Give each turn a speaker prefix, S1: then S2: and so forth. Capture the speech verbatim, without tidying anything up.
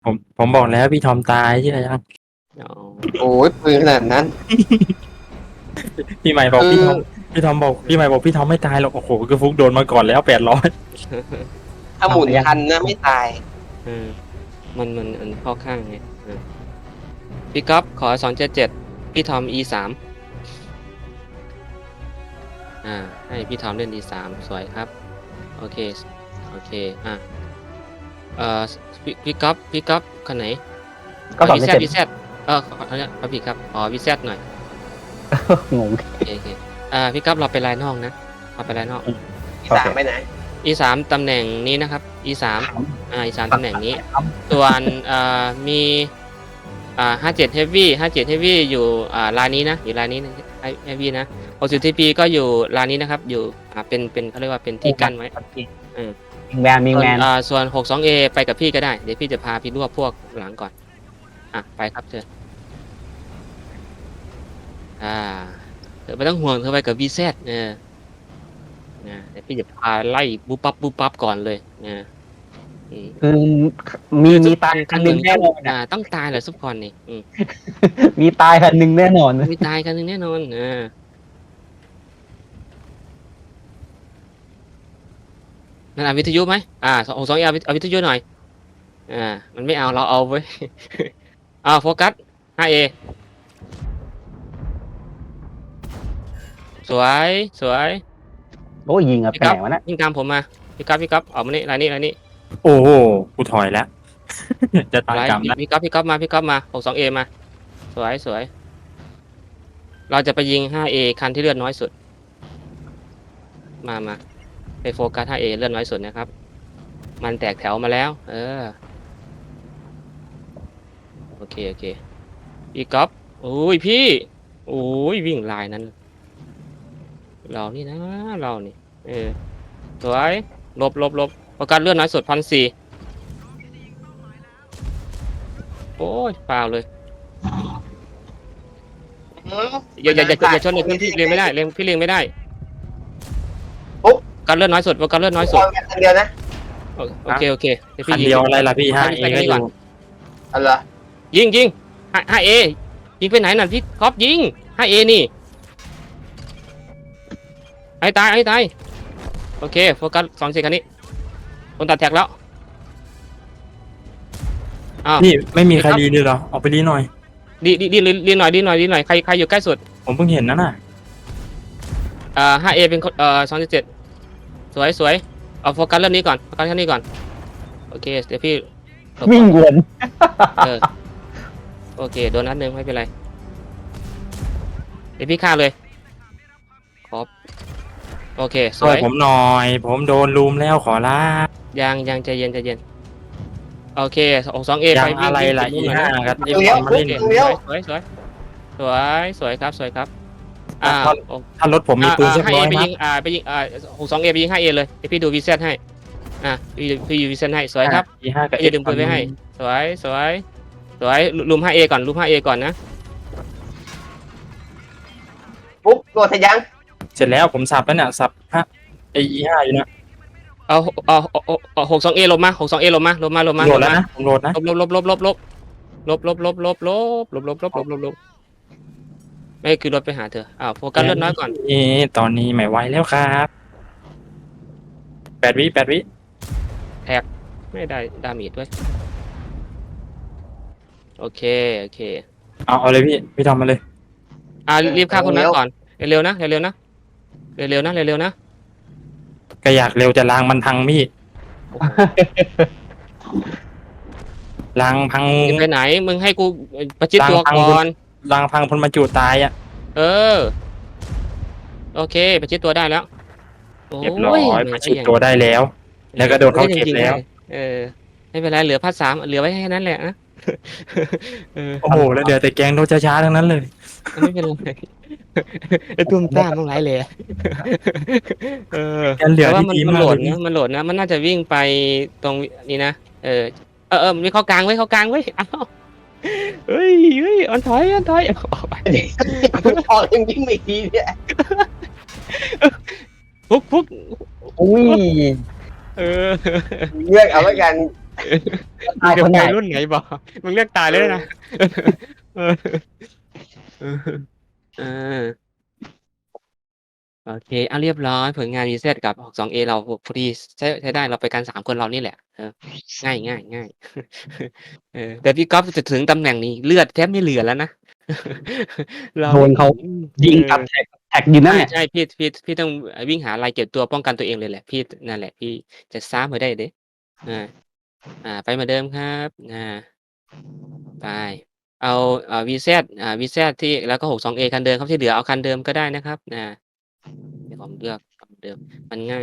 S1: ผมผมบอกแล้วพี่ทอมตายใช่ไหมยัง
S2: อ๋อ
S3: โอ้ยปืนขนาดนั้น
S1: พี่ใหม่บอก
S3: คือ
S1: พี่ทอมพี่ทอมบอกพี่ใหม่บอกพี่ทอมไม่ตายหรอกโอ้โหคือฟุกโดนมาก่อนแล้วแปดร้อย
S3: ถ้าหมุนทันนะไม่ตาย
S2: เออมันมันมันเข้าข้างไงเออพี่ก๊อฟขอสองเจ็ดเจ็ดพี่ทอม e สามอ่าให้พี่ทอมเล่น e สามสวยครับโอเคโอเคอ่ะเอ่อพี่พี่ก๊อฟพี่ก๊อฟคนไหน
S4: ก็สอง
S2: วี
S4: เจ็ด
S2: แซดวีแซดเออขอขอขอขอพี่ครับอ๋อวีแซดหน่อย
S4: งง
S2: โอเคโอเคอ่าพี่ก๊อฟเราไปลายนอกนะเราไปลายนอก
S3: ที่สามไปไหน
S2: e สามตำแหน่งนี้นะครับ e สามอ่า e สามตำแหน่งนี้ ส่วนอ่ามีอ่าห้าเจ็ด heavy ห้าเจ็ด heavy อยู่อ่าลายนี้นะอยู่ลายนี้นะ heavy นะหกสิบ ที พี ก็อยู่ลายนี้นะครับ อยู่อ่าเป็นเป็นเขาเรียกว่าเป็นที่กั้นไว้
S4: มิงแมนมิง
S2: ส่ว
S4: แม
S2: น
S4: น
S2: อ่าส่วน หกสิบสอง เอ ไปกับพี่ก็ได้ เดี๋ยวพี่จะพาพี่รวบพวกหลังก่อน อ่ะ ไปครับเธอ อ่า เธอไม่ต้องห่วงเธอไปกับ วี แซด เออนะเดี๋ยวพี่จะพาไล่ปุ๊บปั๊บปุ๊บปั๊บก่อนเลยนะอืม
S4: คือมีมีตายคันหนึ่งแน่นอน
S2: อ่า
S4: อะ
S2: ต้องตายเหรอซุปคอนนี่อืม
S4: มีตายคันหนึ่งแน่นอน
S2: มีตายกันหนึ่งแน่นอนอ่านั่นเอาวิทยุไหมอ่าสองสองเอาเอาวิทยุหน่อย อ่า มันไม่เอาเราเอาไว้ย อ่าโฟกัส ห้า เอ สวย สวย
S4: โอ้ยยิงอะ
S2: พี่
S4: แปล
S2: กั๊บ
S4: กวะนะ
S2: ยิงตามผมมา พี่กั๊บพี่กั๊บออกมานี่รายนี้รายนี้
S1: โอ้โหกูถอยแล้ว จะตาย
S2: ราย
S1: กรรมแล้ว
S2: พี่กั๊บพี่กั๊บมา พี่กั๊บมา หกสิบสอง เอ มา สวย สวย เราจะไปยิง ห้า เอ คันที่เลือดน้อยสุด มามาไปโฟกัส ห้า เอ เลือดน้อยสุดนะครับ มันแตกแถวมาแล้ว เออ โอเค โอเค พี่ก๊อฟโอ้ยพี่ โอ้ยวิ่งลายนั้น เรานี่นะ เรานี่ เออ สวยลบลบลบโฟกัสเลือดน้อยสุดพันสี่โอ้ยเปล่าเลย อย่าอย่าอย่าอย่าชนเลยพี่เลี้ยงไม่ได้เลี้ยงพี่เลี้ยงไม่ได้การเลือดน้อยสุดว่าการเลือดน้อยสุด
S3: คนเดียวนะ
S2: โอเคโอเคเดี๋ยว
S1: คั
S2: พี่
S1: น
S2: ยิง
S1: เดียวอะไรล่ะพี่ห้าเอ
S2: ไป
S1: ก็
S2: นี่
S1: อ
S2: ก่อน
S1: ยู่
S3: อะไรอ
S2: ยิงยิงห้าเอยิงไปไหนน่ะพี่ก๊อฟยิงห้าเอนี่ไอ้ตายไอ้ตายโอเคโฟกัสสองเซคันนี้คนตัดแท็กแล้วอ้าว
S1: นี่ไม่มีใครรีเลยเหรอออกไปรีหน่อย
S2: ดีดีดีดีหน่อยดีหน่อยดีหน่อยใครใครอยู่ใกล้สุด
S1: ผมเพิ่งเห็นนั่นน่ะ
S2: อ่า ห้า เอ เป็นคนเอ่อสองเจ็ดสวยสวยเอาโฟกัสเรื่องนี้ก่อนโฟกัสเรื่องนี้ก่อนโอเคเดี๋ยวพี่หลบก่อน
S4: วิ่งวน
S2: เออโอเคโดนนัดหนึ่งไม่เป็นไรเดี๋ยวพี่ฆ่าเลยครบโอเคส
S1: ช่ว
S2: วย ย
S1: ผมหน่อย ผมโดนลุมแล้วขอลา
S2: ยังยังใจเย็นใจเย็นโอเคสองสองเอ
S1: ยั
S2: ไป
S1: งอะไรล่ะ
S2: วิ่
S1: อี
S2: ง
S1: ห้า
S2: วิ่ง
S1: กับไอ้
S3: เลี้ยว
S1: บอลมา
S3: ปุ๊บ
S1: เล่น
S3: เลี้ยว
S2: สวยสวยสวยสวยครับสวยครับอ่า
S1: ถ้ารถผมมีปืนสัก
S2: ห้า
S1: ร้
S2: เอ
S1: อย
S2: ไป
S1: นั
S2: ยิ
S1: ด
S2: งอ่าไปยิงอ่าหกสองเอไปยิงห้าเอเลยเดี๋ยวพี่ดูวีเซตให้อ่ะพี่พี่ดูวีเซตให้สวยครับ
S1: อีห้ากับ
S2: อย่าลืมปืนไว้ให้ สวยสวยสวยลุม ห้า เอ ก่อนลุม ห้า เอ ก่อนนะ
S3: ปุ๊บโดนทะยัง
S1: เสร็จแล้วผมสับแล้วเนี่ยสับฮะไออีห้าอยู่นะ
S2: เอาเอาเอาเอาหกสองเอลงมาหกสองเอลงมาลงมาลงมา
S1: โหลดแล้วนะผมโหลดนะ
S2: ลบลบลบลบลบลบลบลบลบลบลบลบลบลบลบลบลบไม่คือรถไปหาเธออ้าวโฟกัสเลือดน้อยก่อน
S1: นี่ตอนนี้ไม่ไหวแล้วครับแปดวิแปดวิ
S2: ไม่ได้ดาเมจด้วยโอเคโอเค
S1: เอาเอาเลยพี่พี่ทำมาเลย
S2: อ่ารีบฆ่าคนนั้นก่อนเร็วๆนะเร็วๆนะเร็วๆนะเร็วๆนะ
S1: ก็อยากเร็วจะล้างมันพังพี่
S2: โอ้โห
S1: ล้างพัง
S2: จะไปไหนมึงให้กูประชิดตัวก่อน
S1: ล้างพังพลมาจูตายอ่ะ
S2: เออโอเคประชิดตัวได้แล้วโ
S1: เรียบร้อย
S2: ไม่
S1: มาชิดตัวได้แล้ว แล้วก็โดนเขาเก็บแล้ว
S2: เออไม่เป็นไรเหลือพัดสามเหลือไว้แค่นั้นแหละนะเออ
S1: โอ้โหแล้วเดี๋ยวแต่แกงโดนช้าๆทั้งนั้นเลย
S2: ไม่เป็นไรไอ้ตุ้มต้ามต้องไรเลยเออ
S1: แกเหลือ
S2: แต่ว่า
S1: ที่
S2: มัน
S1: ดี
S2: มัน
S1: มาก
S2: โหล
S1: เล
S2: ด
S1: ยพี่
S2: นะมันโหลดนะมันน่าจะวิ่งไปตรงนี้นะเออเออเออมันมีเข้ากลางไว้เข้ากลางไว้เอ้าเฮ้ยเฮ้ยอันถอยอันถอยเอาออกไป
S3: พอยังยิ่งไม่ดีเนี่ย
S2: พุกพุก
S4: อุ้ย
S2: เออ
S3: เลือกเอาไว้กัน
S4: ตาย
S2: จะ
S4: คน
S2: ไป
S4: ไหน
S2: รุ่นไหนบอกมึงเลือกตายเลยนะเออเออเออโอเคเอาเรียบร้อยผลงาน วี แซด กับ สอง เอ เราพอดีใช้ใช้ได้เราไปกันสามคนเรานี่แหละเออง่ายง่ายง่ายเออแต่พี่ก๊อฟจะถึงตำแหน่งนี้เลือดแทบไม่เหลือแล้วนะเรา
S4: โดนเขา ยิงกับแท็กแท็กยิงนั่น
S2: ใช่
S4: เนี่ย
S2: ใช่พี่พี่พี่ต้องวิ่งหาอะไรเก็บตัวป้องกันตัวเองเลยแหละพี่นั่นแหละพี่จะซ้ำมาได้เด้อ่าอ่าไปเหมือนเดิมครับอ่าไปเอาอ่า วี แซด อ่า วี แซด ที่แล้วก็ หก สอง เอ คันเดิมครับที่เหลือเอาคันเดิมก็ได้นะครับอ่าเดี๋ยวผมเลือกคันเดิมมันง่าย